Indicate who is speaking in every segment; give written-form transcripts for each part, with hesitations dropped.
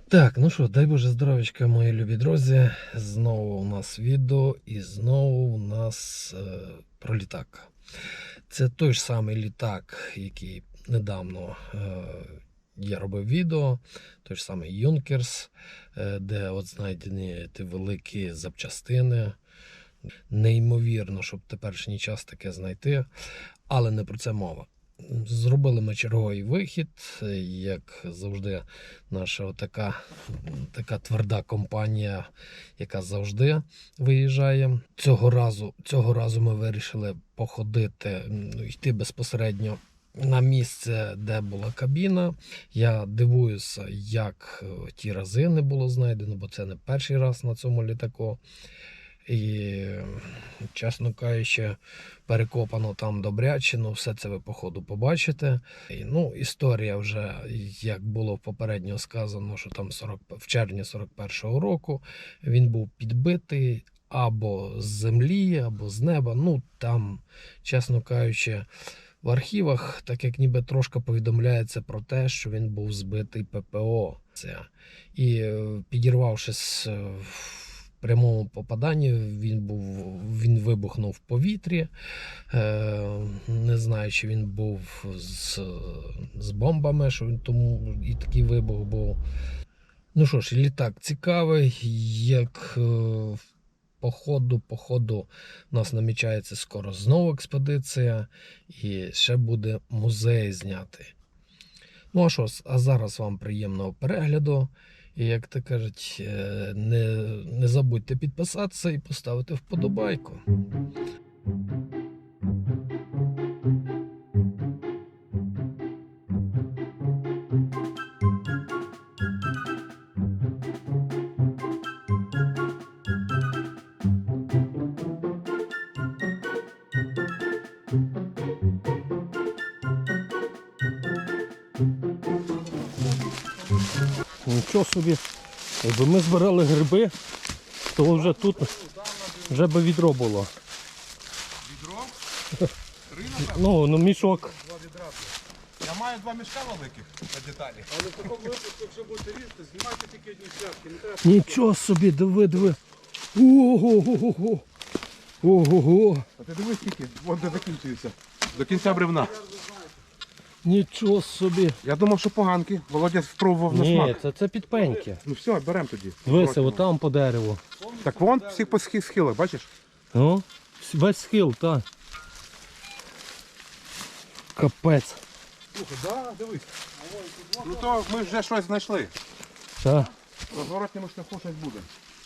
Speaker 1: Так, ну що, дай Боже здоров'ячка, мої любі друзі. Знову у нас відео і знову у нас про літак. Це той ж самий літак, який недавно я робив відео. Той ж самий Юнкерс, де от знайдені ті великі запчастини. Неймовірно, щоб в теперішній час таке знайти, але не про це мова. Зробили ми черговий вихід, як завжди, наша така тверда компанія, яка завжди виїжджає. Цього разу ми вирішили походити, йти безпосередньо на місце, де була кабіна. Я дивуюся, як ті рази не було знайдено, бо це не перший раз на цьому літаку. І, чесно кажучи, перекопано там добряче, все це ви по ходу побачите. Історія вже, як було попередньо сказано, що там в червні 41-го року він був підбитий або з землі, або з неба. Там, чесно кажучи, в архівах, так як ніби трошки повідомляється про те, що він був збитий ППО. І підірвавшись в прямому попаданні, він вибухнув в повітрі. Не знаю, чи він був з бомбами, що він тому і такий вибух був. Ну що ж, літак цікавий, як по ходу у нас намічається скоро знову експедиція і ще буде музей знятий. Ну а що, а зараз вам приємного перегляду. І, як то кажуть, не забудьте підписатися і поставити вподобайку. Нічого собі, якби ми збирали гриби, то вже тут вже би відро було.
Speaker 2: Відро?
Speaker 1: Ну, мішок.
Speaker 2: Два відра. Я маю два мішка великих на деталі. Але в такому випадку, якщо будете різати, знімайте тільки одні шляпки.
Speaker 1: Нічого собі, диви. Ого-го-го. Ого-го.
Speaker 2: А ти дивись скільки, вон де закінчується. До кінця бревна.
Speaker 1: Нічого собі.
Speaker 2: Я думав, що поганки. Володя спробував на смак.
Speaker 1: Ні, це підпеньки.
Speaker 2: Ну все, беремо тоді.
Speaker 1: Дивися, отам по дереву.
Speaker 2: Так вон всі по схилах, бачиш?
Speaker 1: Ну, весь схил, так. Капець.
Speaker 2: Слухай, да, дивись. Ну то ми вже щось знайшли.
Speaker 1: Так.
Speaker 2: На зворотньому шляху щось буде.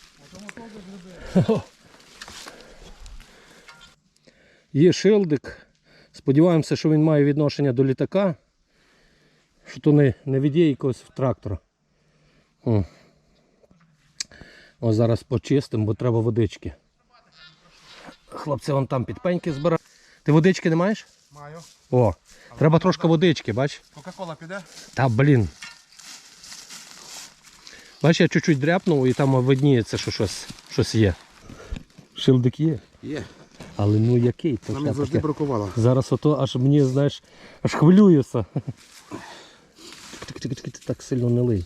Speaker 1: Є шилдик. Сподіваємося, що він має відношення до літака. Що то не від якогось трактора. Ось зараз почистимо, бо треба водички. Хлопці вон там підпеньки збирають. Ти водички не маєш?
Speaker 2: Маю.
Speaker 1: О, треба трошки водички, бач?
Speaker 2: Кока-кола піде?
Speaker 1: Та блін. Бач, я чуть-чуть дряпнув і там видніється, що щось є. Шилдик є?
Speaker 2: Є.
Speaker 1: Але ну який? То
Speaker 2: нам завжди бракувало.
Speaker 1: Зараз ото аж мені, знаєш, аж хвилююся. Так сильно не лий.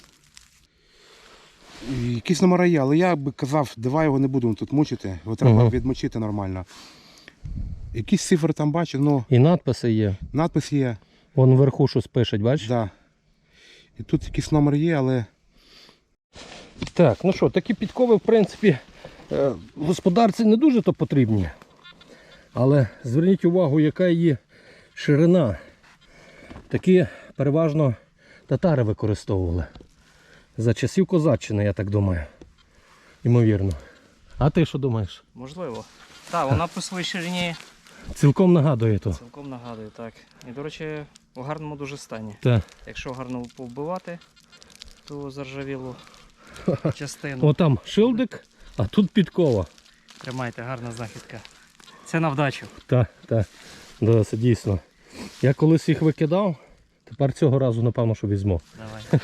Speaker 2: Якісь номера є, але я би казав, давай його не будемо тут мучити, його треба відмочити нормально. Якісь цифри там бачу, ну...
Speaker 1: І надписи є.
Speaker 2: Надпис є.
Speaker 1: Вон вверху щось пишуть, бачиш?
Speaker 2: Да. І тут якийсь номер є, але...
Speaker 1: Так, ну що, такі підкови, в принципі, господарці не дуже то потрібні. Але зверніть увагу, яка її ширина. Такі переважно татари використовували. За часів козаччини, я так думаю. Ймовірно. А ти що думаєш?
Speaker 3: Можливо. Так, вона по своїй ширині
Speaker 1: Цілком нагадує то.
Speaker 3: цілком нагадує, так. І, до речі, у гарному дуже стані.
Speaker 1: Так.
Speaker 3: Якщо гарно повбивати ту заржавілу частину.
Speaker 1: О, там шилдик, а тут підкова.
Speaker 3: Тримайте, гарна знахідка. Це на вдачу.
Speaker 1: Так, так. Да, це дійсно. Я колись їх викидав, тепер цього разу, напевно, що візьму.
Speaker 3: Давай.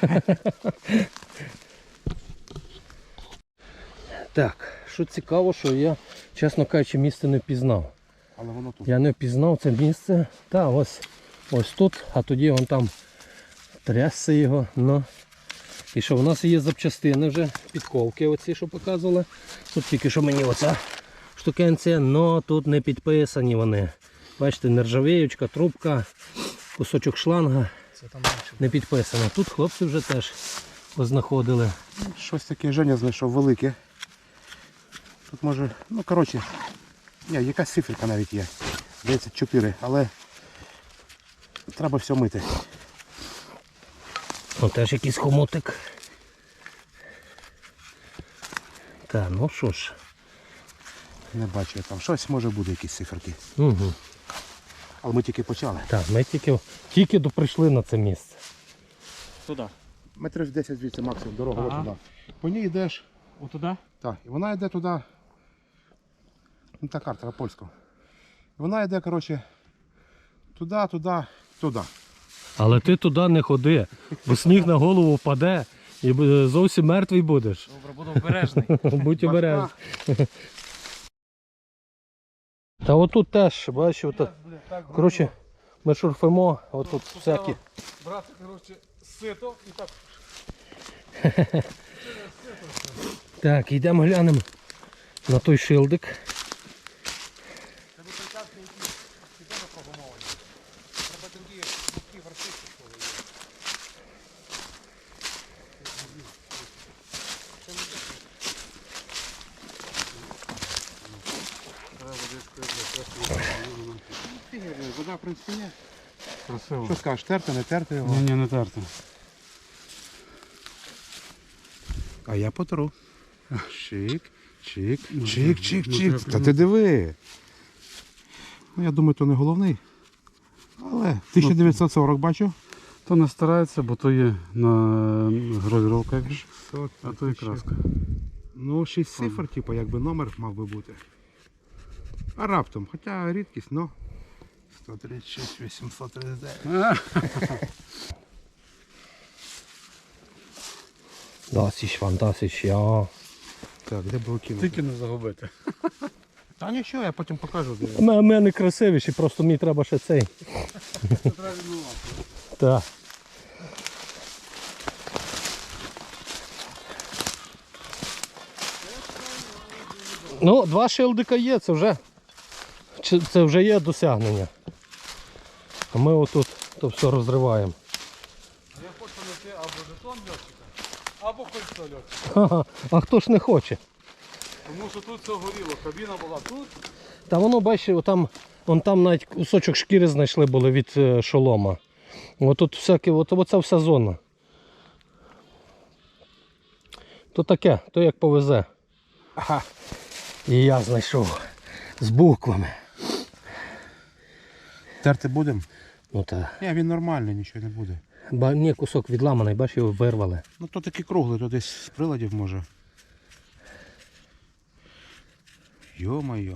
Speaker 1: Так, що цікаво, що я, чесно кажучи, місце не впізнав.
Speaker 2: Але воно тут.
Speaker 1: Я не впізнав це місце. Та, ось тут, а тоді вон там трясся його. Ну, І що, у нас є запчастини вже, підковки оці, що показували. Тут тільки що мені оця штукенція, але тут не підписані вони. Бачите, нержавіючка, трубка, кусочок шланга не підписано. Тут хлопці вже теж познаходили.
Speaker 2: Щось таке Женя знайшов велике. Тут може, ну коротше, ні, якась циферка навіть є. 34, але треба все мити.
Speaker 1: О, теж якийсь хомутик. Так, ну що ж.
Speaker 2: Не бачу я там. Щось може буде, якісь циферки.
Speaker 1: Угу.
Speaker 2: Але ми тільки почали.
Speaker 1: Так, ми тільки прийшли на це місце.
Speaker 3: Туди.
Speaker 2: Метрів 10 звідси максимум, дорога
Speaker 3: Ага.
Speaker 2: ось туди. По ній йдеш,
Speaker 3: Отуди?
Speaker 2: так, і вона йде туди. Ну та карта польська. Вона йде, коротше, туди, туди, туди.
Speaker 1: Але ти туди не ходи, бо сніг на голову впаде і зовсім мертвий будеш.
Speaker 3: Добре, буду обережний.
Speaker 1: Будь обережний. Та отут теж, бачиш, отут. Коротше, ми шурфимо, отут всякі.
Speaker 2: Брати, коротше, сито і так.
Speaker 1: Так, йдемо глянемо на той шилдик.
Speaker 2: Це причастки, які тебе прогумовані. Треба другі вартисти, що ви є. Вода, в принципі, є.
Speaker 4: Красиво.
Speaker 2: Що скажеш, терти, не терти його?
Speaker 4: Ні, не терти.
Speaker 2: А я потру. Чик, чик,
Speaker 4: Ну,
Speaker 2: чик, чик,
Speaker 4: ну,
Speaker 2: чик.
Speaker 4: треба
Speaker 2: Та ти диви. Ну, я думаю, то не головний. Але 1940 бачу.
Speaker 4: То не старається, бо то є на гравіровка, як ж, а то і краска.
Speaker 2: Ну, 6 цифр, типу, якби номер мав би бути. А раптом, хоча рідкість, ну. 136, 839.
Speaker 1: Das ist fantastisch, ja.
Speaker 2: Так, де було кинути?
Speaker 4: Тільки не загубити.
Speaker 2: Та нічого, я потім покажу. Де.
Speaker 1: У мене красивіші, просто мені треба ще цей. Так. Ну, 2 шилдика є, це вже є досягнення. А ми отут то все розриваємо.
Speaker 4: Я хочу знайти або жетон льотчика, або кольцо льотчика.
Speaker 1: Ха-ха, а хто ж не хоче?
Speaker 4: Тому що тут все горіло, кабіна була тут.
Speaker 1: Та воно, бачиш, вон там навіть кусочок шкіри знайшли були від шолома. Отут всяке, оця вся зона. То таке, то як повезе. Ага. І я знайшов з буквами.
Speaker 2: Терти будемо?
Speaker 1: Ну так.
Speaker 2: Ні, він нормальний, нічого не буде.
Speaker 1: Ні, кусок відламаний, бачиш, його вирвали.
Speaker 2: Ну то такий круглий, то десь з приладів може. Йо-моє.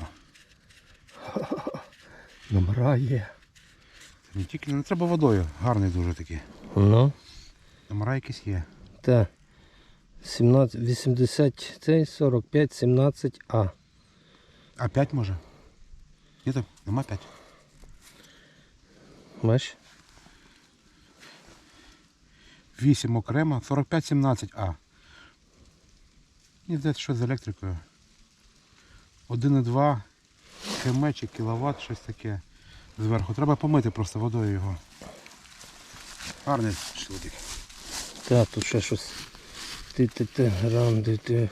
Speaker 1: Номера є.
Speaker 2: Не тільки не треба водою, гарний дуже такий.
Speaker 1: Ну,
Speaker 2: Номера якісь є.
Speaker 1: так. 17, 80, цей 45, 17, А.
Speaker 2: А 5 може? Ні, так, нема 5.
Speaker 1: Бачиш?
Speaker 2: 8 окремо, 45-17 А. Мені здається, щось з електрикою. 1,2 км чи кіловат, щось таке зверху. Треба помити просто водою його. Гарний шлудик.
Speaker 1: Так, тут ще щось. Ти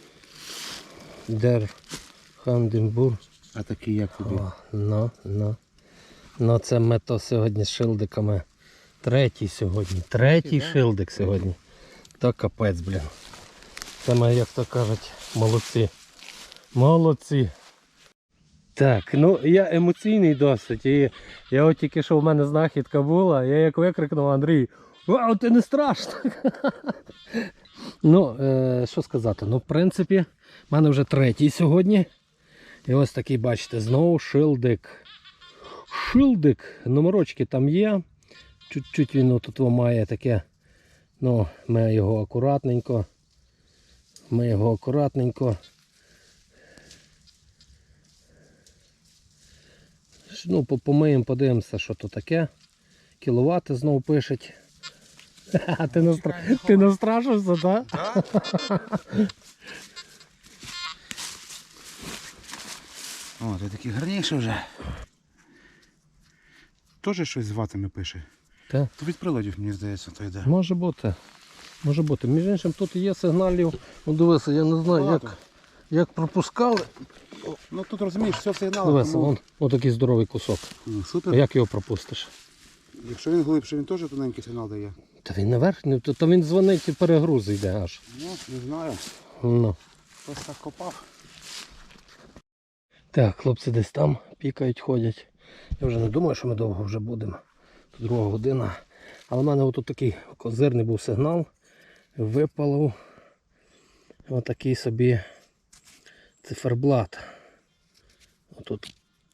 Speaker 1: Дер Ханденбург.
Speaker 2: А такий як тобі?
Speaker 1: Ну, це ми то сьогодні з шилдиками. Третій сьогодні. Третій шилдик сьогодні. То капець, блін. Це ми, як то кажуть, молодці. Молодці. Так, ну я емоційний досить. І я от тільки що в мене знахідка була, я як викрикнув Андрій: «Вау, ти не страшно!» Ну, що сказати, ну в принципі, в мене вже третій сьогодні. І ось такий, бачите, знову шилдик. Шилдик, номерочки там є. Чуть-чуть він тут має таке, ну, ми його акуратненько. Ну, помиємо, подивимося, що то таке. Кіловати знову пишуть. А ти настрашився, так?
Speaker 2: О, ти такий гарніший вже. Теж щось з ватами пише.
Speaker 1: Так.
Speaker 2: То від приладів, мені здається, то йде.
Speaker 1: Може бути. Може бути. Між іншим, тут є сигналів. Ну дивися, я не знаю,
Speaker 2: Багато.
Speaker 1: як пропускали.
Speaker 2: Ну тут розумієш, все сигнал.
Speaker 1: Дивися, вон такий здоровий кусок.
Speaker 2: Супер.
Speaker 1: А як його пропустиш?
Speaker 2: Якщо він глибше, він теж тоненький сигнал дає.
Speaker 1: Та він наверх, то він дзвонить і перегруз йде аж.
Speaker 2: Ну, не знаю.
Speaker 1: Ну.
Speaker 2: Хтось так копав.
Speaker 1: Так, хлопці десь там пікають, ходять. Я вже не думаю, що ми довго вже будемо. Тут 2 година. Але в мене отут такий козирний був сигнал. Випалив отакий собі циферблат. Отут.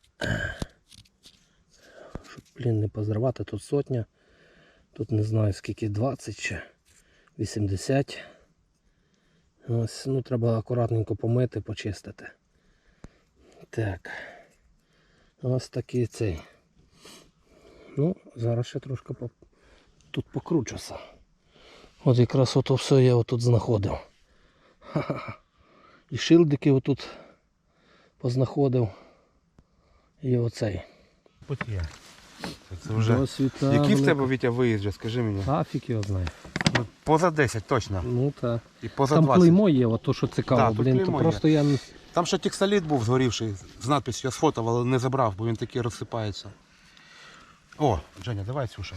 Speaker 1: Щоб, не позривати, тут 100. Тут не знаю скільки, 20 чи 80. Ось, ну треба акуратненько помити, почистити. Так. Ось такий цей. Ну, зараз ще трошки тут покручуся. От якраз ото все я отут знаходив. Ха-ха. І шилдики отут познаходив. І оцей.
Speaker 2: Потія. Це вже.
Speaker 1: Досвіта
Speaker 2: Який в
Speaker 1: велика.
Speaker 2: тебе, Вітя, виїзд, вже, скажи мені?
Speaker 1: Афік його знає.
Speaker 2: Ну, поза 10 точно.
Speaker 1: Ну так.
Speaker 2: І поза
Speaker 1: Там
Speaker 2: 20.
Speaker 1: клеймо є, от то що цікаво,
Speaker 2: Да, тут
Speaker 1: блін, то
Speaker 2: клеймо
Speaker 1: просто я не...
Speaker 2: Там ще текстоліт був згорівший з надписью, я сфотав, але не забрав, бо він такий розсипається. О, Женя, давай слушай.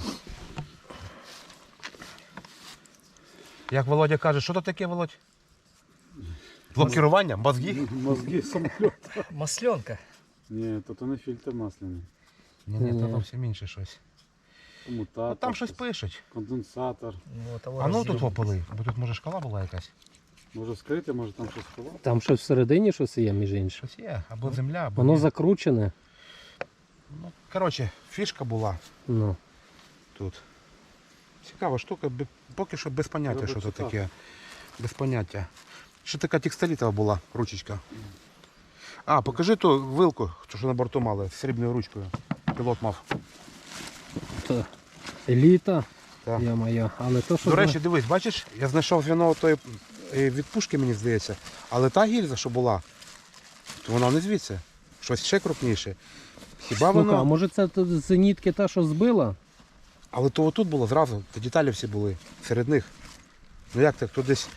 Speaker 2: Як Володя каже, що то таке, Володь? Блокування? Мозги?
Speaker 4: Мозги самоліт.
Speaker 3: Масленка.
Speaker 4: Ні, то не фільтр масляний.
Speaker 2: Ні, то зовсім інше щось.
Speaker 4: Комутатор.
Speaker 2: Ну, там щось пишуть.
Speaker 4: Конденсатор.
Speaker 2: А ну тут попили, бо тут може шкала була якась.
Speaker 4: Може вскрити, може там щось ховати.
Speaker 1: Там щось всередині щось є, між іншим.
Speaker 2: Щось є, або земля, або...
Speaker 1: Воно
Speaker 2: ні.
Speaker 1: закручене.
Speaker 2: Ну, коротше, фішка була
Speaker 1: Ну.
Speaker 2: тут. Цікава штука, поки що без поняття,
Speaker 4: Треба
Speaker 2: що це
Speaker 4: читати.
Speaker 2: таке. Без поняття. Ще така текстолітова була ручечка. А, покажи ту вилку, що на борту мали, з срібною ручкою. Пілот мав.
Speaker 1: Та еліта.
Speaker 2: Так.
Speaker 1: Я моя. Але то, що
Speaker 2: До речі, дивись, бачиш, я знайшов зв'яно тої від пушки, мені здається. Але та гільза, що була, то вона не звідси. Щось ще крупніше. Хіба
Speaker 1: Слухай, а
Speaker 2: воно.
Speaker 1: може це тут з зенітки та, що збила?
Speaker 2: Але то отут було зразу, то деталі всі були серед них. Ну як так, то десь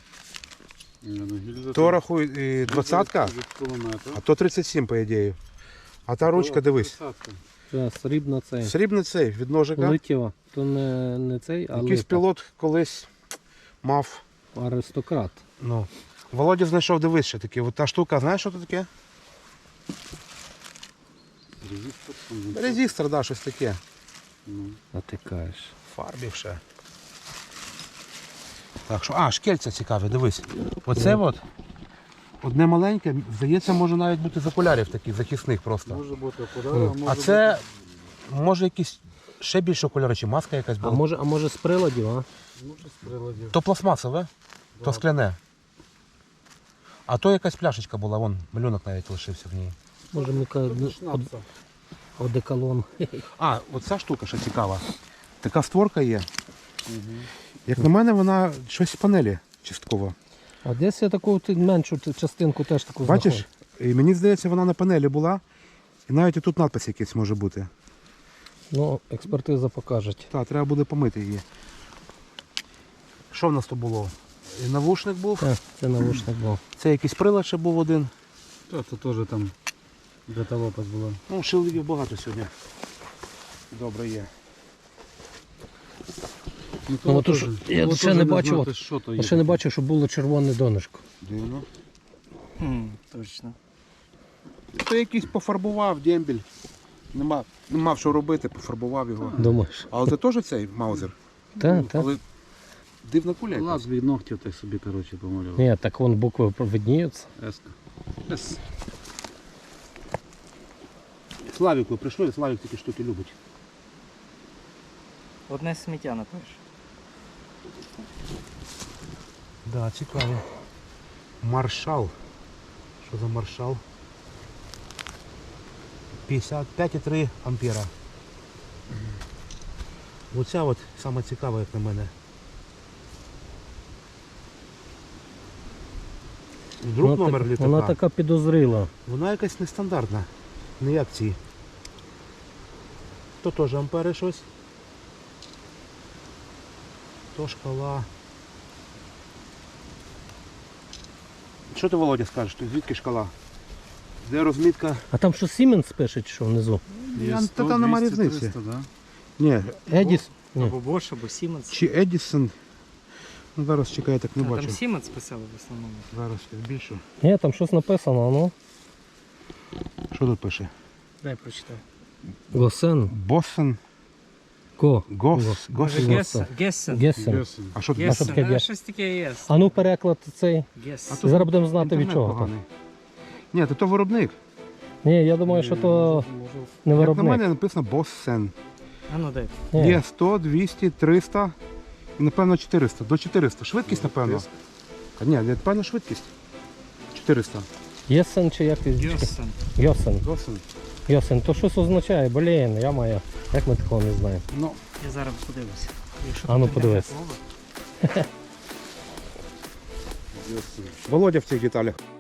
Speaker 2: то рахуй 20-ка,
Speaker 4: Від кулемета.
Speaker 2: а то 37, по ідеї. А та ручка, дивись.
Speaker 1: Це срібна цей.
Speaker 2: Срібний цей від ножика.
Speaker 1: Летіва. То не цей, а
Speaker 2: Якийсь
Speaker 1: лита.
Speaker 2: пілот колись мав.
Speaker 1: Аристократ.
Speaker 2: Ну. Володя знайшов, дивись ще таке. От та штука, знаєш, що це таке? Резистор, да, щось таке.
Speaker 1: А ти кажеш.
Speaker 2: Фарбів ще. Так що, шкельця цікаві, дивись. Оце от. Одне маленьке, здається, може навіть бути з окулярів таких захисних просто.
Speaker 4: Може бути окуляри,
Speaker 2: А це може якісь ще більше окуляри, чи маска якась
Speaker 1: А
Speaker 2: була.
Speaker 1: може з приладів, а?
Speaker 4: Може з приладів.
Speaker 2: То пластмасове, то скляне. А то якась пляшечка була, вон малюнок навіть лишився в ній.
Speaker 1: Може ми
Speaker 4: Шнапса.
Speaker 1: одеколон.
Speaker 2: Оця штука ще цікава. Така створка є. Як на мене, вона щось з панелі частково.
Speaker 1: А десь я таку меншу частинку теж таку
Speaker 2: Бачиш?
Speaker 1: знаходжу.
Speaker 2: І мені здається, вона на панелі була. І навіть і тут надпис якийсь може бути.
Speaker 1: Ну, експертиза покаже.
Speaker 2: Так, треба буде помити її. Що в нас тут було? І навушник був.
Speaker 1: Так, це навушник був.
Speaker 2: Це якийсь прилад ще був один.
Speaker 4: Та, це теж там бета-лопасть була.
Speaker 2: Ну, шилдиків багато сьогодні. Добре є.
Speaker 1: Ну, от
Speaker 4: теж.
Speaker 1: то, що я
Speaker 4: От
Speaker 1: ще
Speaker 4: теж
Speaker 1: не бачив,
Speaker 4: знати,
Speaker 1: от,
Speaker 4: що то
Speaker 1: я
Speaker 4: є
Speaker 1: ще не
Speaker 4: таке.
Speaker 1: бачив, щоб було червоне донышко.
Speaker 2: Дивно.
Speaker 3: Точно.
Speaker 2: То якийсь пофарбував дембель. Не мав що робити, пофарбував його.
Speaker 1: Думаєш?
Speaker 2: Але це теж цей маузер.
Speaker 1: Так, так.
Speaker 2: Але дивна куля якась.
Speaker 4: Лаз від ногтів так собі, коротше, помалював.
Speaker 1: Ні, так вон букви видніються.
Speaker 4: Еска.
Speaker 2: Славіку прийшли, Славік такі штуки любить.
Speaker 3: Одне сміття напиш.
Speaker 2: Да, цікаво. Маршал. Що за маршал? 55,3 ампера. Оця от саме цікава, як на мене. Вдруг номер літака.
Speaker 1: Вона така підозріла.
Speaker 2: Вона якась нестандартна. Не як ці. То теж ампери щось. То шкала. Що ти, Володя, скажеш? Тут звідки шкала? Де розмітка?
Speaker 1: А там що Siemens пише, чи що внизу?
Speaker 2: Я- та там нема
Speaker 4: 200,
Speaker 2: різниці.
Speaker 4: 300, да?
Speaker 2: Ні,
Speaker 1: Едіс? Ні.
Speaker 3: Або Bosch, або Siemens.
Speaker 2: чи Едісон. Ну, зараз чекай, я так не
Speaker 3: А,
Speaker 2: бачу.
Speaker 3: там Siemens писали в основному.
Speaker 2: Зараз я збільшу.
Speaker 1: Ні, там щось написано, ну.
Speaker 2: Що тут пише?
Speaker 3: Дай прочитай.
Speaker 1: Госен.
Speaker 2: Боссен.
Speaker 1: Ко.
Speaker 2: Гос.
Speaker 3: Може,
Speaker 1: Гессен.
Speaker 3: Гессен.
Speaker 1: Гесен.
Speaker 4: Гесен.
Speaker 2: А що тут?
Speaker 1: Гес- таке
Speaker 3: Гессен.
Speaker 1: є?
Speaker 3: Щось таке є.
Speaker 1: А ну переклад цей.
Speaker 3: Гессен.
Speaker 1: Зараз будемо знати від
Speaker 2: Інтернет
Speaker 1: чого.
Speaker 2: поганий. Ні, то виробник.
Speaker 1: Ні, я думаю, що то не
Speaker 2: Як на
Speaker 1: виробник.
Speaker 2: мене написано Боссен.
Speaker 3: А ну дай.
Speaker 1: Ні.
Speaker 2: Є 100, 200, 300 і напевно 400. До 400. Швидкість, напевно. А ні, напевно швидкість. 400.
Speaker 1: Єсен чи як?
Speaker 3: Гессен.
Speaker 1: Йосен.
Speaker 2: Боссен.
Speaker 1: Йосен. То щось означає, блін, я маю. Як ми такого не знаємо?
Speaker 2: Ну,
Speaker 3: Я зараз подивлюся. Якщо
Speaker 1: А ну,
Speaker 3: тут
Speaker 1: подивись.
Speaker 3: слово.
Speaker 2: Володя в цих деталях.